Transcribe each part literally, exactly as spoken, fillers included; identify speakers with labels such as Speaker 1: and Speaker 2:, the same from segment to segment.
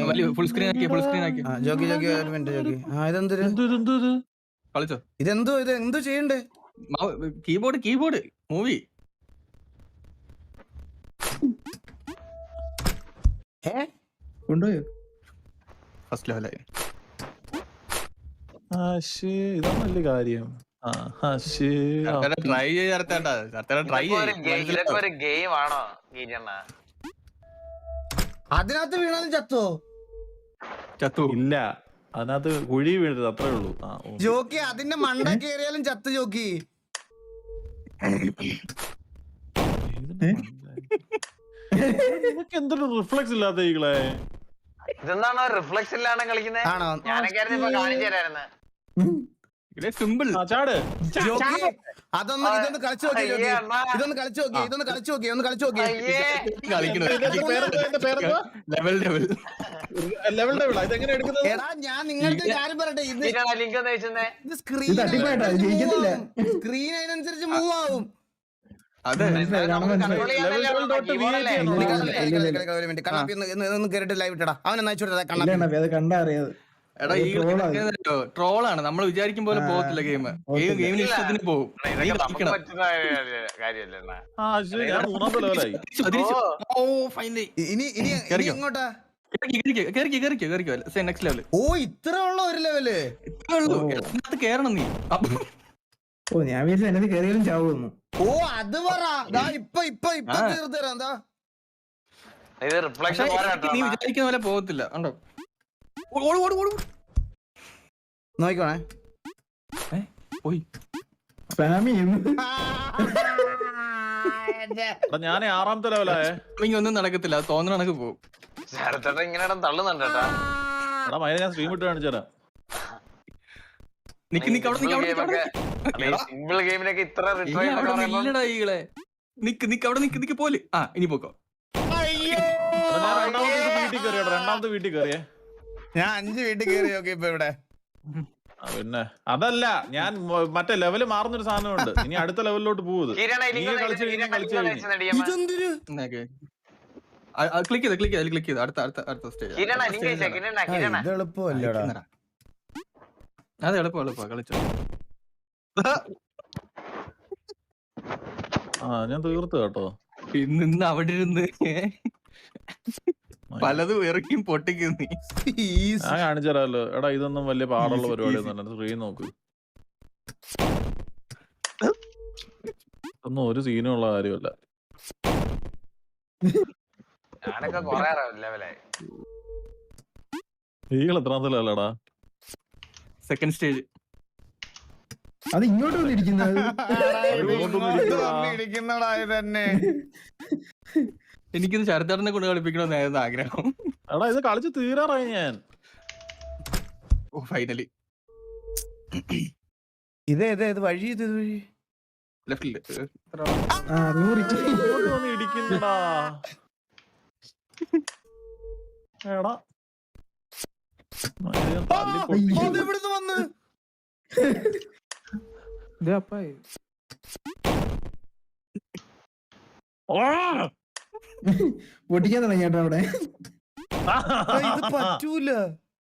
Speaker 1: Full screen ആക്കി full screen ആക്കി
Speaker 2: ജോക്കി ജോക്കി ഒരു മിനിറ്റ് ജോക്കി. ആ ഇതെന്തൊരു
Speaker 1: കളിച്ചോ?
Speaker 2: ഇതെന്തോ ഇത് എന്തോ ചെയ്യണ്ടേ?
Speaker 1: കീബോർഡ് കീബോർഡ് മൂവി
Speaker 3: കൊണ്ടുപോയോ?
Speaker 1: ഫസ്റ്റ് ലെവലായി.
Speaker 4: ഇതാണ് വലിയ കാര്യം.
Speaker 1: ട്രൈ ചെയ്തേട്ടാ ട്രൈ
Speaker 5: ഒരു ഗെയിം ആണോ?
Speaker 2: അതിനകത്ത് വീണാലും ചത്തോ?
Speaker 1: ചത്തു
Speaker 4: ഇല്ല, അതിനകത്ത് കുഴി വീഴരുത്, അത്രേ ഉള്ളൂ.
Speaker 2: ജോക്കി അതിന്റെ മണ്ട കയറിയാലും ചത്ത് ജോക്കി.
Speaker 4: എന്തൊരു റിഫ്ലക്സ് ഇല്ലാത്ത ഈകളെ.
Speaker 5: ഇതെന്താണോ റിഫ്ലക്സ് ഇല്ലാണ്ട് കളിക്കുന്നത്?
Speaker 2: ആണോ?
Speaker 5: ഞാനൊക്കെ കാണിച്ചു തരായിരുന്നു.
Speaker 1: സിമ്പിൾ
Speaker 4: ചാട്.
Speaker 2: അതൊന്ന് ഇതൊന്ന് കളിച്ചു നോക്കി ജോക്കി. ഇതൊന്ന് കളിച്ചു നോക്കി ഇതൊന്ന് കളിച്ചു നോക്കി ഒന്ന് കളിച്ചു നോക്കി.
Speaker 1: ലെവൽ ലെവൽ
Speaker 4: ലെവൽ ലെവൽ ഇതെങ്ങനെ എടുക്കുന്നത്?
Speaker 2: എടാ ഞാൻ നിങ്ങൾക്ക് കാര്യം പറയട്ടെ, ഇത്
Speaker 5: ലിങ്ക് ഒന്ന് വെച്ചേ.
Speaker 2: ഇത് സ്ക്രീൻ സ്ക്രീൻ അതിനനുസരിച്ച് മൂവ് ആവും.
Speaker 1: അതെ
Speaker 2: കേറിട്ട് ലൈവ് ഇട്ടടാ. അവനെ
Speaker 3: കണ്ടറിയാതെ
Speaker 1: എടാ ഈ ട്രോളാണ്, നമ്മൾ വിചാരിക്കും പോലെ പോകത്തില്ല ഗെയിം. ഗെയിം ഗെയിമിന് ഇഷ്ടത്തിന് പോകും.
Speaker 2: ഇനി ഇനി എങ്ങോട്ടാ?
Speaker 1: Next level.
Speaker 2: ഓ ഇത്ര ഉള്ള ഒരു ലെവല്
Speaker 1: കേറണം നീ.
Speaker 3: ഓ ഞാൻ വിചാരിച്ചു എന്നത് കയറിയാലും ചാവുന്നു.
Speaker 2: ഓ അത് പറ. ഇപ്പൊ ഇപ്പൊ ഇപ്പൊ തീർത്ത് തരാം. എന്താ
Speaker 1: നീ വിചാരിക്കുന്ന പോലെ പോകത്തില്ല. ഉണ്ടോ?
Speaker 2: നോക്കണേ
Speaker 1: പോയി
Speaker 4: ഞാൻ ആറാമത്തെ ലെവലായേ.
Speaker 1: ഒന്നും നടക്കത്തില്ല, തോന്നുന്ന കണക്ക് പോകും.
Speaker 5: ഇങ്ങനെ തള്ളുന്നുണ്ട് കേട്ടാ.
Speaker 4: എടാ മൈന ഞാൻ സ്ട്രീം ഇട്ട് കാണിച്ചു തരാം.
Speaker 1: നിക്ക് നിക്ക് അവിടെ
Speaker 5: സിമ്പിൾ ഗെയിമിനൊക്കെ ഇത്ര
Speaker 1: നിക്ക് നിക്ക് അവിടെ നിക്ക് നിക്ക് പോലെ. ആ ഇനി പോക്കോ.
Speaker 4: രണ്ടാമത്തെ വീട്ടിൽ കയറിയോ? രണ്ടാമത്തെ വീട്ടിൽ കയറിയേ.
Speaker 2: ഞാൻ അഞ്ച് വീട്ടിൽ കയറി നോക്കി ഇപ്പൊ ഇവിടെ.
Speaker 4: പിന്നെ അതല്ല, ഞാൻ മറ്റേ ലെവല് മാറുന്നൊരു സാധനമുണ്ട്. ഇനി അടുത്ത ലെവലിലോട്ട് പോകുന്നത്.
Speaker 1: ക്ലിക്ക് ചെയ്ത് ക്ലിക്ക് ചെയ്ത് ക്ലിക്ക് ചെയ്ത് അടുത്ത അടുത്ത അടുത്ത സ്റ്റേജ്.
Speaker 2: എളുപ്പമല്ലടാ.
Speaker 1: അതെ എളുപ്പം എളുപ്പം കളിച്ചോ.
Speaker 4: ആ ഞാൻ തീർത്തു കേട്ടോ.
Speaker 1: ഇന്ന് അവിടെ ഇരുന്ന് പലതും ഇറക്കിയും പൊട്ടിക്കും നീ.
Speaker 4: ഞാൻ കാണിച്ചു തരാമല്ലോ. എടാ ഇതൊന്നും വലിയ പാടുള്ള പരിപാടിയൊന്നും സ്ക്രീൻ നോക്ക്. ഒന്നും ഒരു സീനും ഉള്ള കാര്യമല്ല.
Speaker 5: ഞാനൊക്കെ കൊറേ ലെവലായി.
Speaker 4: ഈകൾ എത്രാമത്തെ ലെവലടാ?
Speaker 1: Second stage.
Speaker 3: അത് ഇങ്ങോട്ട് വന്നിരിക്കുന്നത്
Speaker 2: തന്നെ.
Speaker 1: എനിക്കിത് ശരത്തേട്ടനെ കൊണ്ട് കളിപ്പിക്കണമെന്നായിരുന്നു ആഗ്രഹം.
Speaker 4: എടാ ഇത് കളിച്ച് തീരാറായി ഞാൻ.
Speaker 1: Oh finally.
Speaker 2: ഇതേ ഇതേ ഇത് വഴി ഇത് വഴി
Speaker 1: ലെഫ്റ്റില്
Speaker 4: ഇടിക്കുന്നടാ. എടാ
Speaker 2: ഇവിടുന്ന് വന്ന്
Speaker 3: പൊട്ടിക്കാൻ തുടങ്ങി കേട്ടോ അവിടെ.
Speaker 2: ഇത് പറ്റൂല.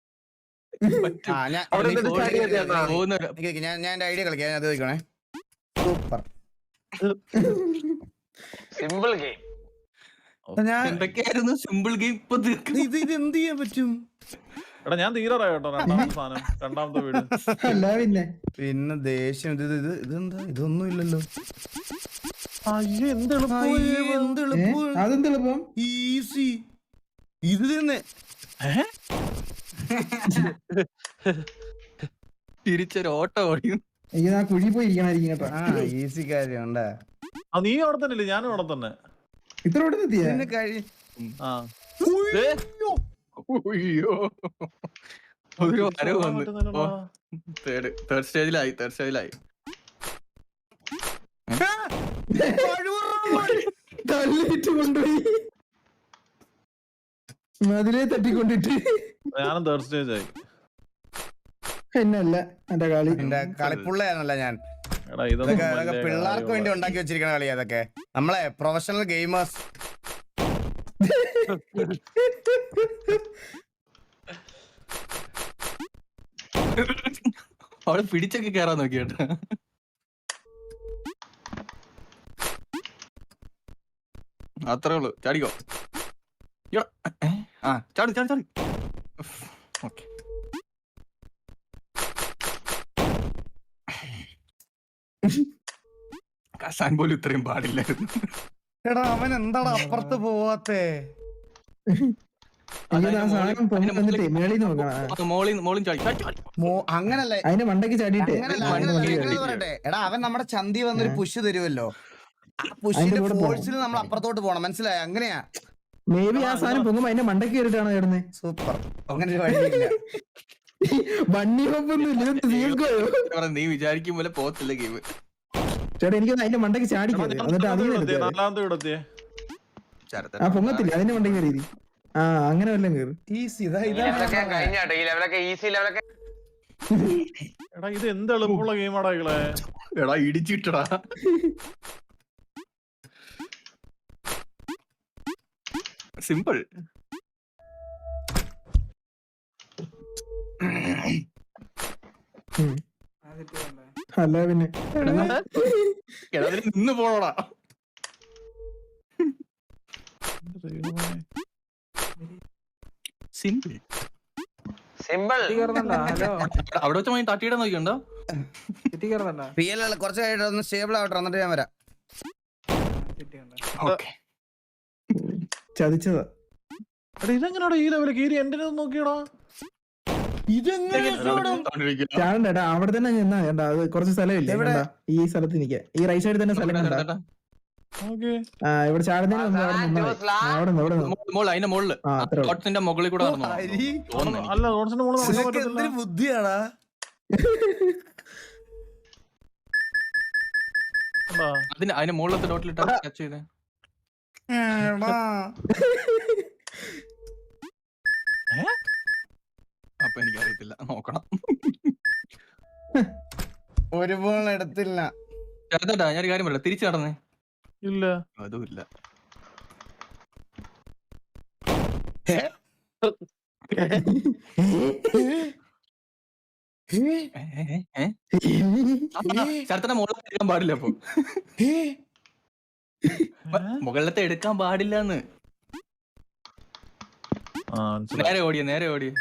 Speaker 2: ഞാൻ ഞാൻ എന്റെ ഐഡിയ കളിക്കാം. അത് ചോദിക്കണേ. Super
Speaker 5: simple game.
Speaker 2: ഞാൻ
Speaker 1: എന്തൊക്കെയായിരുന്നു സിമ്പിൾ ഗെയിം. ഇപ്പൊ
Speaker 2: ഇത് ഇത് എന്ത് ചെയ്യാൻ പറ്റും?
Speaker 4: എടാ ഞാൻ തീരാറായി കേട്ടോ. രണ്ടാമത്തെ സാധനം, രണ്ടാമത്തെ വീട്.
Speaker 3: അല്ല പിന്നെ
Speaker 2: പിന്നെ ദേഷ്യം. ഇത് ഇത് ഇതെന്താ? ഇതൊന്നും ഇല്ലല്ലോ.
Speaker 3: അതെന്തെളുപ്പം
Speaker 2: ഈസി. ഇത് തന്നെ
Speaker 1: തിരിച്ചൊരു ഓട്ടം ഓടിയും.
Speaker 3: എനിക്ക് ആ കുഴി പോയി ഇരിക്കണായിരിക്കും കേട്ടോ.
Speaker 2: ആ ഈസി കാര്യം ഉണ്ടാ.
Speaker 4: നീ അവിടെ തന്നെ ഇല്ലേ? ഞാനും അവിടെ തന്നെ.
Speaker 3: ഇത്ര ഇവിടെ എത്തിയ
Speaker 2: കഴി
Speaker 4: ആ
Speaker 1: ഒരു വരവ് വന്ന് തേർഡ് തേർഡ് സ്റ്റേജിലായി തേർഡ് സ്റ്റേജിലായി
Speaker 3: തള്ളിയിട്ട് കൊണ്ടുപോയി മതിലേ തട്ടിക്കൊണ്ടിട്ട്.
Speaker 4: ഞാനും തേർഡ് സ്റ്റേജ് ആയി.
Speaker 3: എന്നല്ല എന്റെ കളി.
Speaker 2: എന്റെ കളിപ്പുള്ളയാണല്ല ഞാൻ.
Speaker 4: എടാ ഇതൊക്കെ
Speaker 2: പിള്ളേർക്ക് വേണ്ടി ഉണ്ടാക്കി വെച്ചിരിക്കണ കളി അതൊക്കെ. നമ്മളെ പ്രൊഫഷണൽ ഗെയിമേഴ്സ്.
Speaker 1: അവിടെ പിടിച്ചൊക്കെ കേറാൻ നോക്കി കേട്ടോ. അത്രേ ഉള്ളു, ചാടിക്കോ. ഇയ്യോ, ഏ? ആ ചാടി ചാടി ചാടി. ഓക്കെ. കസാൻ പോലും ഇത്രയും പാടില്ലായിരുന്നു.
Speaker 2: എടാ അവൻ എന്താടാ അപ്പുറത്ത് പോവാത്തേ?
Speaker 3: എനിക്ക് ആ സാധനം പൊങ്ങി വന്നിട്ടേ മേളിൽ നോക്കണം.
Speaker 1: മോളിൽ മോളിൽ ചാടി ചാടി ചാടി.
Speaker 2: മോ- അങ്ങനല്ലേ
Speaker 3: അതിന്റെ മണ്ടയ്ക്ക് ചാടിയിട്ട്
Speaker 2: അങ്ങനല്ല,
Speaker 1: മണ്ണ്
Speaker 2: അങ്ങനല്ല,
Speaker 1: മണ്ണ്
Speaker 2: ഞാനത് പറയട്ടെ. എടാ അവൻ നമ്മുടെ ചന്തി വന്നൊരു പുഷ് തരുമല്ലോ, ആ പുഷിന്റെ
Speaker 3: കൂടെ
Speaker 2: ഫോഴ്സിൽ നമ്മൾ അപ്പുറത്തോട്ട് പോണം, മനസ്സിലായോ? അങ്ങനെയാ.
Speaker 3: മേ ബി ആ സാധനം പൊങ്ങുമ്പോ അതിന്റെ മണ്ടയ്ക്ക് കയറിട്ടാണോ ചേർന്ന്?
Speaker 2: സൂപ്പർ. അങ്ങനെ ഒരു വഴിയില്ല.
Speaker 3: വണ്ടി ഹോപ്പൊന്നും ഇല്ല, ഇതെന്ത് തീർക്കോയോ?
Speaker 1: പറഞ്ഞ നീ വിചാരിക്കും പോലെ പോകത്തില്ല ഗെയിം.
Speaker 3: ചേട്ടാ എനിക്കൊന്ന് അതിന്റെ മണ്ടയ്ക്ക് ചാടിക്കരുത്, എന്നിട്ട് അതിന് എടുത്തേ.
Speaker 4: നാലാമത്തെ ഇടത്തിയേ
Speaker 3: ആ പൊങ്ങത്തില്ല, അതിന്റെ മണ്ടയ്ക്ക് കയറി. ആ അങ്ങനെ വല്ലതും കയറി.
Speaker 2: ഈസി ഇതാ
Speaker 5: ഈ
Speaker 2: ഇതാ
Speaker 5: ലെവലൊക്കെ കഴിഞ്ഞാട്ടോ, ഈ ലെവലൊക്കെ ഈസി ലെവലൊക്കെ.
Speaker 4: എടാ ഇത് എന്ത് എളുപ്പമുള്ള ഗെയിമാടാ ഇകളെ.
Speaker 1: എടാ ഇടിച്ചിട്ടടാ. സിമ്പിൾ.
Speaker 3: അല്ല പിന്നെ
Speaker 1: നിന്ന് പോണോടാ. Simple
Speaker 5: simple.
Speaker 1: അവിടെ വെച്ച് പോയി തട്ടിയിടാൻ നോക്കിയുണ്ടോ?
Speaker 2: റിയൽ അല്ല, കുറച്ച് കഴിഞ്ഞിട്ട് ഒന്ന് സ്റ്റേബിൾ ആവട്ടെ, എന്നിട്ട് ഞാൻ വരാം.
Speaker 1: ഓക്കെ.
Speaker 3: ചതിച്ചതാ.
Speaker 4: എടാ ഇതെങ്ങനെയാടാ ഈ ലെവലിൽ കയറി എന്റെ നോക്കിയടാ.
Speaker 3: ചാടണ്ടേട്ടാ, അവിടെ തന്നെ നിന്നാ ചേട്ടാ, അത് കുറച്ച് സ്ഥലമില്ല. ഈ സ്ഥലത്ത് നിൽക്കാം, ഈ റൈറ്റ് സൈഡിൽ തന്നെ സ്ഥലം കണ്ടാ. ആ ഇവിടെ ചാടുന്നതിന് മുമ്പ് അവിടെ നിന്നാ മതി. അവിടെ നിന്ന് അവിടെ നിന്ന്
Speaker 1: മോള് അതിന്റെ മുകളില്
Speaker 3: ആ അത്ര
Speaker 1: കോട്ടത്തിന്റെ മുകളിൽ കൂടെ നടന്നോ? തോന്നുന്നു
Speaker 4: അല്ല റോഡ്സിന്റെ മുകളിൽ നടക്കാൻ
Speaker 2: നിനക്ക്
Speaker 4: പറ്റത്തില്ല.
Speaker 2: എന്തൊരു ബുദ്ധിയാടാ.
Speaker 4: എന്താ?
Speaker 1: അതിന് അതിന്റെ മുകളിലത്തെ ഡോട്ടിലിട്ട് ടച്ച് ചെയ്തേ.
Speaker 2: എടാ.
Speaker 1: അപ്പൊ എനിക്കറിയത്തില്ല, നോക്കണം.
Speaker 2: ഒരു ബോൾ എടുത്തില്ല.
Speaker 1: ചേട്ടാ ഞാനൊരു കാര്യം പറയാം, തിരിച്ചു നടന്നേ.
Speaker 4: ഇല്ല
Speaker 1: അതും ഇല്ല. ചേട്ടന്റെ മുകളിലത്തെ എടുക്കാൻ പാടില്ല. അപ്പൊ മുകളിലത്തെ എടുക്കാൻ പാടില്ലെന്ന്.
Speaker 4: ആ മനസ്സിലായി.
Speaker 1: നേരെ ഓടിയ നേരെ ഓടിയ.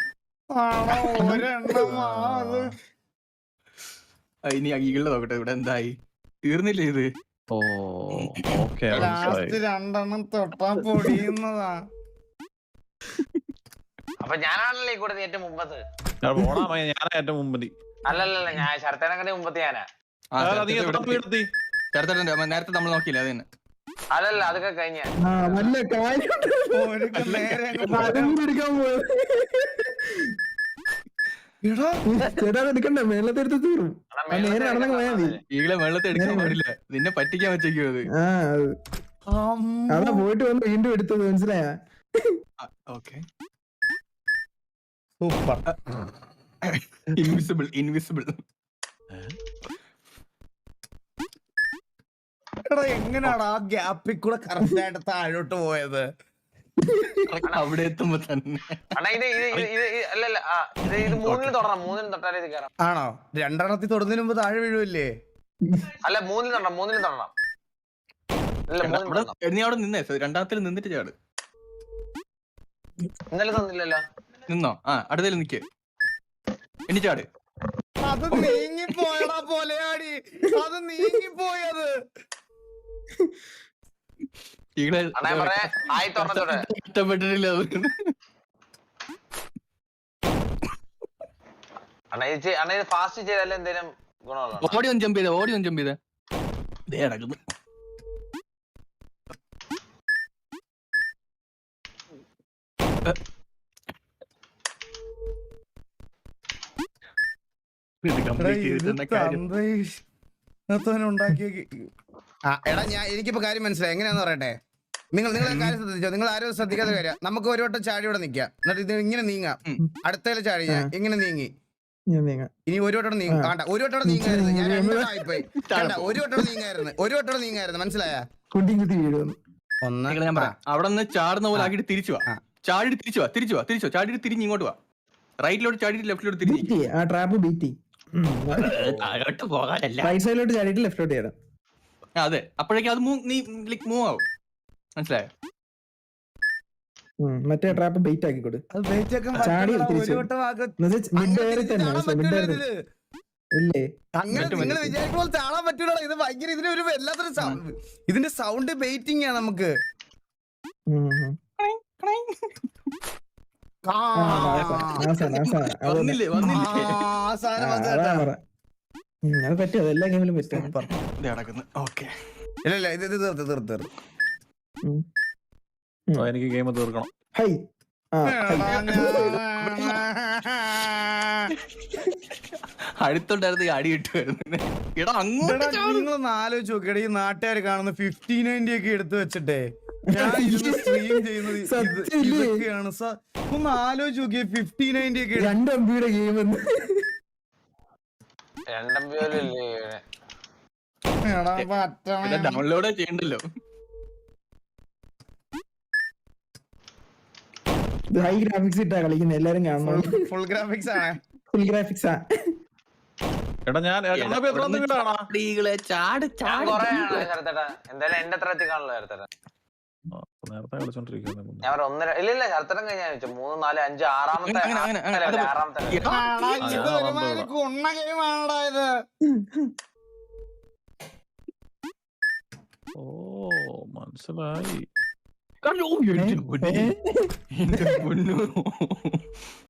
Speaker 1: ഇനി ഈകളുടെ നോക്കട്ടെ, ഇവിടെ എന്തായി? തീർന്നില്ലേ ഇത്?
Speaker 4: ഓ ഓക്കെ മനസ്സിലായി.
Speaker 2: ലാസ്റ്റ് രണ്ടെണ്ണം തൊട്ടാ പൊടിയുന്നതാ.
Speaker 5: അപ്പൊ ഞാനാണല്ലോ ഈ കൂടെ ഏറ്റവും മുമ്പത്ത്.
Speaker 4: ഞാൻ പോടാ മയ, ഞാനാ ഏറ്റവും മുമ്പതി.
Speaker 5: അല്ലല്ലല്ല, ഞാൻ ശരത്തേനൊക്കെ മുമ്പത്ത് ഞാനാ.
Speaker 4: നീ എത്ര വീടെത്തി?
Speaker 1: ചേർത്തട്ടുണ്ട് നേരത്തെ നമ്മൾ നോക്കിയില്ല അത് തന്നെ.
Speaker 5: അല്ലല്ല, അതൊക്കെ കഴിഞ്ഞ.
Speaker 3: ആ വല്ല കാര്യം
Speaker 2: ഒരുക്ക് നേരെ
Speaker 3: അതും എടുക്കാൻ പോയത്. ചേട്ടാ എടുക്കണ്ട, മേളത്തെ എടുത്ത് തീറും. നേരെ നടന്നങ്ങ് പോയാ മതി.
Speaker 1: ഈകളെ വെള്ളത്തെ എടുക്കാൻ പാടില്ല, നിന്നെ പറ്റിക്കാൻ പറ്റിക്കോ അത്.
Speaker 3: ആ അത് അതാ പോയിട്ട് വന്ന് വീണ്ടും എടുത്തത്, മനസ്സിലായ?
Speaker 1: ഓക്കെ.
Speaker 2: സൂപ്പർ.
Speaker 1: Invisible invisible.
Speaker 2: എടാ എങ്ങനെയാടാ ആ ഗ്യാപ്പിൽ കൂടെ കറക്റ്റ് ആയിട്ട് താഴോട്ട് പോയത്?
Speaker 1: അവിടെ എത്തുമ്പോ തന്നെ.
Speaker 5: അണ്ണാ ഇത് ഇത് ഇത് ഇത് ഇത് അല്ലല്ല, ആ ഇത് ഇത് മൂന്നിൽ തൊടണം, മൂന്നിൽ തൊട്ടാലേ ഇത് കയറാം.
Speaker 2: ആണോ? രണ്ടെണ്ണത്തിൽ തൊടുന്നതിന് മുമ്പ് താഴെ വീഴുമല്ലേ?
Speaker 5: അല്ല മൂന്നിൽ തൊടണം, മൂന്നിൽ തൊടണം. അല്ല മൂന്നിൽ
Speaker 1: അവിടെ
Speaker 5: തൊടണം.
Speaker 1: നീ അവിടെ നിന്നേ, രണ്ടാമത്തിൽ നിന്നിട്ട് ചാട്.
Speaker 5: ഇന്നലെ തന്നില്ലല്ലോ.
Speaker 1: നിന്നോ? ആ അടുത്തേൽ നിക്ക്, ഇനി ചാട്.
Speaker 2: അത് നീങ്ങിപ്പോയടാ പോലെയാടി, അത് നീങ്ങിപ്പോയത്.
Speaker 1: ഈകളെ
Speaker 5: അണ്ണാ ഞാൻ പറയാ, ആയി തുറന്നതോടെ
Speaker 1: ഇഷ്ടപ്പെട്ടിട്ടില്ല അത്.
Speaker 5: അണ്ണാ ഇത് ചെയ്- അണ്ണാ ഇത് ഫാസ്റ്റ് ചെയ്താലും എന്തേലും ഗുണമുള്ള.
Speaker 1: ഓടി ഒന്ന് ജമ്പ് ചെയ്തേ, ഓടി ഒന്ന് ജമ്പ് ചെയ്തേ. ദേ നടക്കുന്നു. ഇത് complete ചെയ്തിട്ട് തന്നെ കാര്യം.
Speaker 2: ഉണ്ടാക്കിയ ആ എടാ ഞാൻ എനിക്കിപ്പോ കാര്യം മനസ്സിലായി, എങ്ങനെയാന്ന് പറയട്ടെ. നിങ്ങൾ നിങ്ങൾ കാര്യം ശ്രദ്ധിച്ചോ, നിങ്ങൾ ആരും ശ്രദ്ധിക്കാത്ത കാര്യം. നമുക്ക് ഒരു വട്ടം ചാടി ഇവിടെ നിക്കാം, എന്നിട്ട് ഇത് ഇങ്ങനെ നീങ്ങാം. അടുത്തേല് ചാടി ഞാൻ ഇങ്ങനെ നീങ്ങി, ഇനി ഒരു വട്ടം നീങ്ങും. വേണ്ട, ഒരു വട്ടം നീങ്ങായിരുന്നു, ഞാൻ രണ്ടായിപ്പോയി. വേണ്ട, ഒരു വട്ടം നീങ്ങായിരുന്നു, ഒരു വട്ടം നീങ്ങായിരുന്നു, മനസ്സിലായ? ഒന്ന്
Speaker 1: ഞാൻ പറയാം, അവിടെ നിന്ന് ചാടുന്ന പോലെ ആക്കിട്ട് തിരിച്ചു വാ. ചാടി തിരിച്ചു വാ, തിരിച്ചു വാ, തിരിച്ചു വാ, ചാടി തിരിഞ്ഞ് ഇങ്ങോട്ട് വാ. റൈറ്റിലോട്ട് ചാടിയിട്ട് ലെഫ്റ്റിലോട്ട് തിരിച്ചു
Speaker 3: ബീറ്റി ആ ട്രാപ്പ് ബീറ്റി
Speaker 1: താഴോട്ട് പോകാനല്ല.
Speaker 3: റൈറ്റ് സൈഡിലോട്ട് ചാടിയിട്ട് ലെഫ്റ്റിലോട്ട് ചെയ്യണം.
Speaker 1: ആ, അതെ അപ്പോഴേക്കും അത് move- നീ ലൈക് മൂവ് ആവും. മനസ്സിലായോ?
Speaker 3: ഉം, മറ്റേ ട്രാപ്പ് ബെയിറ്റ് ആക്കി കൊടു.
Speaker 2: അത് bait ആക്കാൻ
Speaker 3: ചാടി
Speaker 2: പറ്റില്ലടാ,
Speaker 3: തിരിച്ചു.
Speaker 2: ഒരു വട്ടം ആക്ക്.
Speaker 3: മിഡ്
Speaker 2: അങ്ങനെ
Speaker 3: എയറിൽ തന്നെ
Speaker 2: ചാടാൻ
Speaker 3: മിഡ്
Speaker 2: പറ്റൂല
Speaker 3: എയറിൽ
Speaker 2: ഇതില്.
Speaker 3: ഇല്ലേ?
Speaker 2: അങ്ങനെ
Speaker 1: പറ്റും,
Speaker 2: നിങ്ങൾ
Speaker 1: പറ്റും.
Speaker 2: വിചാരിക്കുമ്പോൾ ചാടാൻ പറ്റൂല. ഇത് ഭയങ്കര ഇതിന് ഒരു വല്ലാത്തൊരു സൗണ്ട്. ഇതിന്റെ സൗണ്ട് ബെയിറ്റിംഗ് ആണ് നമുക്ക്.
Speaker 3: ഉം, ഉം.
Speaker 2: ആ,
Speaker 3: ആ, നാസാ, നാസാ, നാസാ. അത് തന്നെ.
Speaker 1: വന്നില്ലേ വന്നില്ലേ
Speaker 2: ആ സാധനം
Speaker 3: ആ,
Speaker 2: വന്ന്
Speaker 3: അതാ
Speaker 2: കേട്ടോ.
Speaker 3: പറ. ഉം, അത് പറ്റും, അത് എല്ലാ ഗെയിമിലും പറ്റും.
Speaker 2: സൂപ്പർ.
Speaker 1: ഇത് നടക്കുന്നു. ഓക്കെ
Speaker 2: ഇല്ല ഇല്ല ഇത് ഇത് തീർത്ത് തീർത്ത് തീർത്ത്.
Speaker 3: ഉം.
Speaker 4: ഓ, എനിക്ക് ഗെയിം തീർക്കണം.
Speaker 3: ഹൈ ആ ഹൈ.
Speaker 1: അടുത്തുണ്ടായിരുന്ന ഈ അടി കിട്ടുമായിരുന്നു. എടാ അങ്ങോട്ട് ചാട്.
Speaker 2: നിങ്ങളൊന്ന് ആലോചിച്ച് നോക്കിയട, ഈ നാട്ടുകാർ കാണുന്ന ഫിഫ്റ്റി നയൻറ്റി ഒക്കെ എടുത്തു വെച്ചിട്ടേ ഞാൻ സ്ട്രീം ചെയ്യുന്നത് ഇത്
Speaker 3: സത്യമില്ലേ?
Speaker 2: ഇതൊക്കെയാണ്. സ- ഒന്ന് ആലോചിച്ച് നോക്കിയേ, ഫിഫ്റ്റി നയൻറ്റി ഒക്കെ എടുത്ത്
Speaker 3: രണ്ട് എംബിയുടെ ഗെയിം എന്ന്
Speaker 5: രണ്ടും പോലും ഇല്ലേ
Speaker 2: എടാ, പറ്റണേ.
Speaker 1: ഡൗൺലോഡ് ചെയ്യണ്ടല്ലോ.
Speaker 3: ഹൈ ഗ്രാഫിക്സ് ഇട്ടാ കളിക്കുന്നത്, എല്ലാരും കാണണം.
Speaker 2: ഫുൾ ഗ്രാഫിക്സ് ആണ്.
Speaker 3: ഫുൾ ഗ്രാഫിക്സ് ആ.
Speaker 4: എടാ ഞാൻ കണ്ണപ്പി എത്ര നിങ്ങളാണോ?
Speaker 1: ചാടികളെ ചാട്
Speaker 5: ഞാൻ
Speaker 1: ചാട്.
Speaker 5: കൊറേ ആണ് ശരത്തേട്ടാ. എന്തായാലും എന്റെ അത്ര എത്തിക്കാണല്ലോ ശരത്തേട്ടാ.
Speaker 4: നേരത്തെ കളിച്ചോണ്ടിരിക്കുന്നു.
Speaker 5: ഞാൻ ഒരു ഒന്നര ഇല്ല ഇല്ല ശരത്തരം കഴിഞ്ഞാൽ വെച്ചു മൂന്ന് നാല് അഞ്ച് ആറാമത്തെ
Speaker 1: അങ്ങനെ, അങ്ങനെ, അങ്ങനെ.
Speaker 5: അല്ല,
Speaker 1: അത്
Speaker 5: ആറാമത്തെ
Speaker 1: എടാ,
Speaker 2: ആടാ,
Speaker 4: ആ,
Speaker 2: ഇത്
Speaker 4: ഞാൻ
Speaker 2: ഒരുമാതിരി
Speaker 4: വന്നോളാം.
Speaker 2: കുണ്ണ ഗെയിമാണടാ ഇത്.
Speaker 4: ഓ മനസ്സിലായി.
Speaker 1: അയ്യോ, എന്റെ പൊന്നേ. എന്റെ പൊന്നോ.